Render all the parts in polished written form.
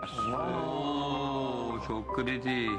Oo, çok kritik.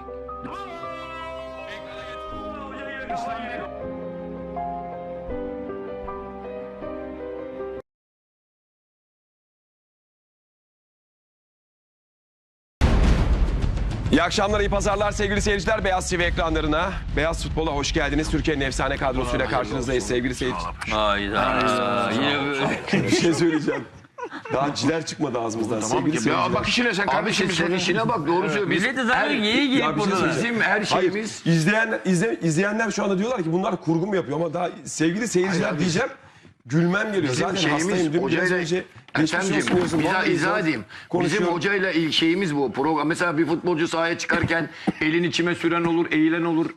İyi akşamlar, iyi pazarlar sevgili seyirciler. Beyaz TV ekranlarına, Beyaz Futbol'a hoş geldiniz. Türkiye'nin efsane kadrosuyla karşınızdayız sevgili seyirciler. Hayda. Yine böyle. Bir şey söyleyeceğim. Daha ciler çıkmadı ağzımızdan sevgili seyirciler. Ya bak işine sen kardeşim sen işine bak doğru söylüyor. Millet de zaten iyi Ya giyip bir şey burada. söyleyeceğim. Bizim her Hayır, şeyimiz izleyenler şu anda diyorlar ki bunlar kurgu mu yapıyor ama daha sevgili seyirciler Hayır abi. diyeceğim. Gülmem geliyor. Bizim Zaten hastayım. şeyimiz Dün biraz hocayla önce geçmiş Ertem'ciğim, olsun diyorsun. Vallahi izah edeyim. Bizim konuşuyorum. hocayla şeyimiz bu program. Mesela bir futbolcu sahaya çıkarken elin içime süren olur, eğilen olur.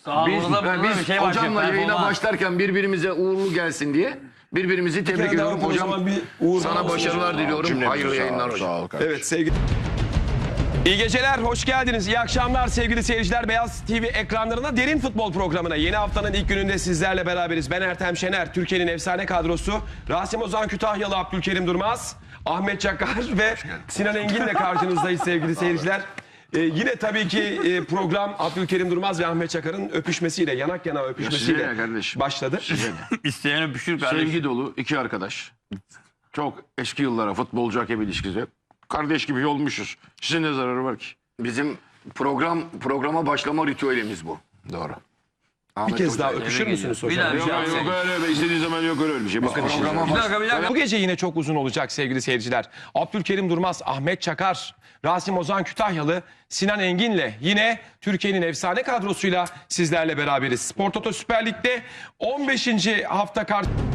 Biz hocamla yayına başlarken birbirimize uğurlu gelsin diye birbirimizi tebrik kere daha ediyorum. o zaman Hocam bir uğur sana olsun. başarılar diliyorum. Hayırlı yayınlar hocam. Evet sevgili... İyi geceler, hoş geldiniz. İyi akşamlar sevgili seyirciler. Beyaz TV ekranlarına Derin Futbol programına. Yeni haftanın ilk gününde sizlerle beraberiz. Ben Ertem Şener, Türkiye'nin efsane kadrosu. Rasim Ozan Kütahyalı, Abdülkerim Durmaz, Ahmet Çakar ve Sinan Engin'le karşınızdayız sevgili seyirciler. Yine tabii ki program Abdülkerim Durmaz ve Ahmet Çakar'ın öpüşmesiyle, yanak yana öpüşmesiyle size kardeşim. başladı. İsteyen öpüşür kardeşim. Sevgi dolu iki arkadaş. Çok eski yıllara futbolcu hakem ilişkisi. Kardeş gibi olmuşuz. Size ne zararı var ki? Bizim programa başlama ritüelimiz bu. Doğru. Bir kez daha öpüşür müsünüz Bir hocam? daha Yok öyle istediğin zaman yok öyle bir şey. Bakın Bir dakika. Bu gece yine çok uzun olacak sevgili seyirciler. Abdülkerim Durmaz, Ahmet Çakar, Rasim Ozan Kütahyalı, Sinan Engin'le yine Türkiye'nin efsane kadrosuyla sizlerle beraberiz. Spor Toto Süper Lig'de 15. hafta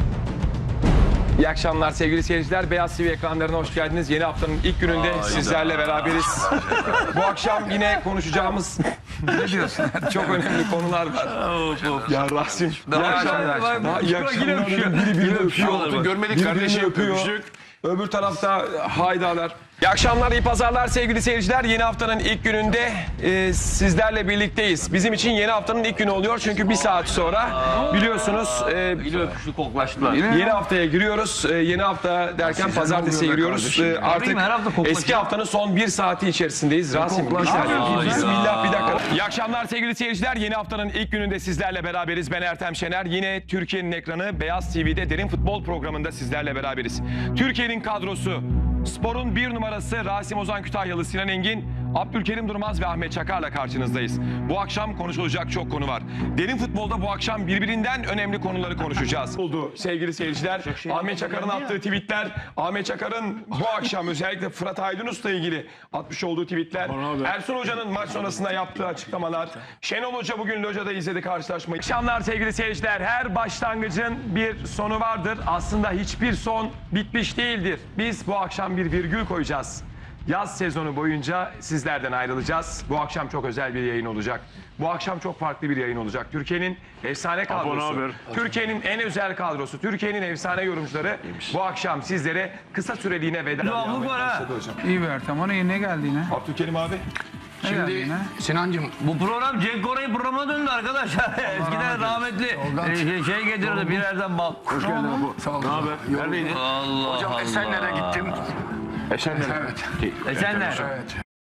İyi akşamlar sevgili seyirciler. Beyaz TV ekranlarına hoş geldiniz. Yeni haftanın ilk gününde sizlerle beraberiz. Bu akşam yine konuşacağımız ne diyorsun? Çok önemli konular var. Ya Rasim. İyi akşamlar. İyi akşamlar. Biri birini öpüyor. görmedik kardeşim öpüyor. öpüştük. Öbür tarafta haydalar. İyi akşamlar, iyi pazarlar sevgili seyirciler. Yeni haftanın ilk gününde sizlerle birlikteyiz. Bizim için yeni haftanın ilk günü oluyor çünkü bir saat sonra biliyorsunuz Yine öpüştü, koklaştılar. yeni haftaya giriyoruz. Yeni hafta derken pazartesiye giriyoruz. Artık Her hafta koklaşıyor. eski haftanın son bir saati içerisindeyiz. Rasim bir saniye. Bismillah bir dakika. İyi akşamlar sevgili seyirciler. Yeni haftanın ilk gününde sizlerle beraberiz. Ben Ertem Şener. Yine Türkiye'nin ekranı Beyaz TV'de Derin Futbol programında sizlerle beraberiz. Türkiye'nin kadrosu, sporun bir numarası Rasim Ozan Kütahyalı, Sinan Engin, Abdülkerim Durmaz ve Ahmet Çakar'la karşınızdayız. Bu akşam konuşulacak çok konu var. Derin futbolda bu akşam birbirinden önemli konuları konuşacağız. Oldu sevgili seyirciler. Ahmet Çakar'ın attığı tweetler, Ahmet Çakar'ın bu akşam özellikle Fırat Aydınus'la ilgili atmış olduğu tweetler, Ersun Hoca'nın maç sonrasında yaptığı açıklamalar, Şenol Hoca bugün Loja'da izledi karşılaşmayı. Akşamlar sevgili seyirciler. Her başlangıcın bir sonu vardır. Aslında hiçbir son bitmiş değildir. Biz bu akşam bir virgül koyacağız. Yaz sezonu boyunca sizlerden ayrılacağız. Bu akşam çok özel bir yayın olacak. Bu akşam çok farklı bir yayın olacak. Türkiye'nin efsane kadrosu, Türkiye'nin en özel kadrosu, Türkiye'nin efsane yorumcuları bu akşam sizlere kısa süreliğine veda Devamlık var ha. İyi be Ertem, ona ne geldi yine? Abdülkerim abi. Ne geldi Şimdi yine? Sinancığım Bu program Cenk Koray programına döndü arkadaşlar. Eskiden rahmetli şey getirirdi bir yerden bal. hoş geldin Apo. Sağ ol. Ne haber? Neredeydin? Allah Hocam Allah. Esenler'e gittim. Esenler'e. Evet. Esenler. Evet.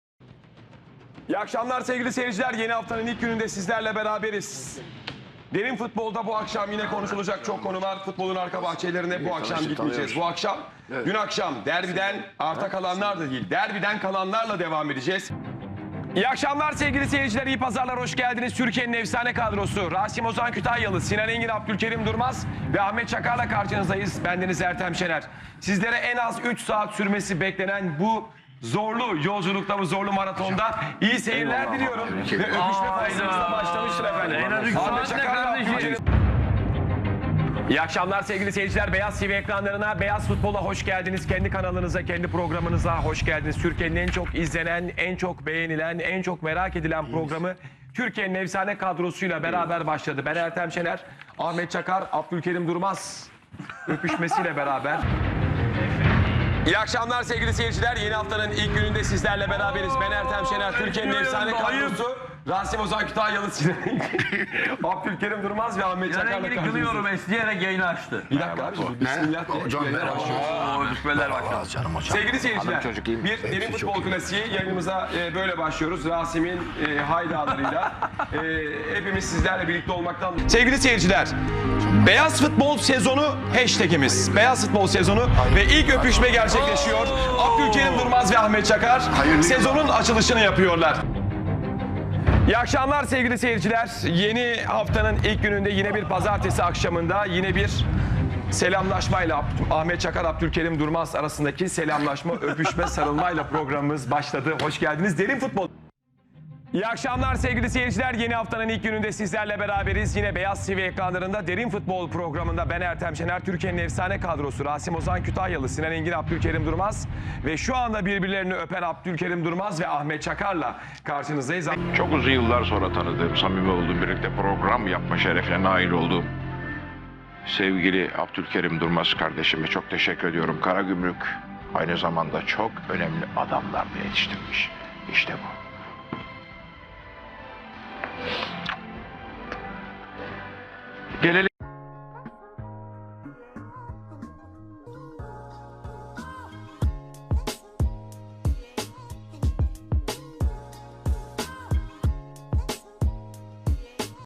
İyi akşamlar sevgili seyirciler. Yeni haftanın ilk gününde sizlerle beraberiz. Derin futbolda bu akşam yine konuşulacak çok konu var. Futbolun arka bahçelerine bu akşam gitmeyeceğiz. Bu akşam, dün akşam derbiden arta kalanlar da değil, derbiden kalanlarla devam edeceğiz. İyi akşamlar sevgili seyirciler, iyi pazarlar, hoş geldiniz. Türkiye'nin efsane kadrosu Rasim Ozan Kütahyalı, Sinan Engin, Abdülkerim Durmaz ve Ahmet Çakar'la karşınızdayız. Bendeniz Ertem Şener. Sizlere en az 3 saat sürmesi beklenen bu zorlu yolculukta, bu zorlu maratonda iyi seyirler diliyorum. Ve öpüşme faslımızda başlamıştır efendim. En az 3 Ahmet saat ne Çakar'la kardeşim? Abdülkerim. İyi akşamlar sevgili seyirciler. Beyaz TV ekranlarına, Beyaz Futbol'a hoş geldiniz. Kendi kanalınıza, kendi programınıza hoş geldiniz. Türkiye'nin en çok izlenen, en çok beğenilen, en çok merak edilen programı Türkiye'nin efsane kadrosuyla beraber başladı. Ben Ertem Şener, Ahmet Çakar, Abdülkerim Durmaz öpüşmesiyle beraber. İyi akşamlar sevgili seyirciler. Yeni haftanın ilk gününde sizlerle beraberiz. Ben Ertem Şener, Türkiye'nin efsane kadrosu. Rasim Ozan Kütahyalı, Abdülkerim Durmaz ve Ahmet Çakar'la Rengini karşınızdayız. kılıyorum esneyerek yayını açtı. Bir dakika abiciğim, bismillah diye. Hocam Yayına merhaba. başlıyoruz. Bismillah başladı. Canım hocam. Sevgili seyirciler, Hanım çocuk iyi mi? bir derin futbol klasiği yayınımıza böyle başlıyoruz. Rasim'in haydalarıyla hepimiz sizlerle birlikte olmaktan. Sevgili seyirciler, Beyaz Futbol sezonu hashtagimiz. Beyaz Futbol sezonu ve ilk öpüşme gerçekleşiyor. Abdülkerim Durmaz ve Ahmet Çakar Hayırlı sezonun açılışını yapıyorlar. İyi akşamlar sevgili seyirciler. Yeni haftanın ilk gününde yine bir pazartesi akşamında yine bir selamlaşmayla Ahmet Çakar, Abdülkerim Durmaz arasındaki selamlaşma, öpüşme, sarılmayla programımız başladı. Hoş geldiniz. Derin futbol. İyi akşamlar sevgili seyirciler. Yeni haftanın ilk gününde sizlerle beraberiz. Yine Beyaz TV ekranlarında Derin Futbol programında ben Ertem Şener, Türkiye'nin efsane kadrosu Rasim Ozan Kütahyalı, Sinan Engin, Abdülkerim Durmaz ve şu anda birbirlerini öpen Abdülkerim Durmaz ve Ahmet Çakar'la karşınızdayız. Çok uzun yıllar sonra tanıdığım, samimi olduğum, birlikte program yapma şerefine nail olduğum sevgili Abdülkerim Durmaz kardeşime çok teşekkür ediyorum. Karagümrük aynı zamanda çok önemli adamlar da yetiştirmiş. İşte bu. Gelelim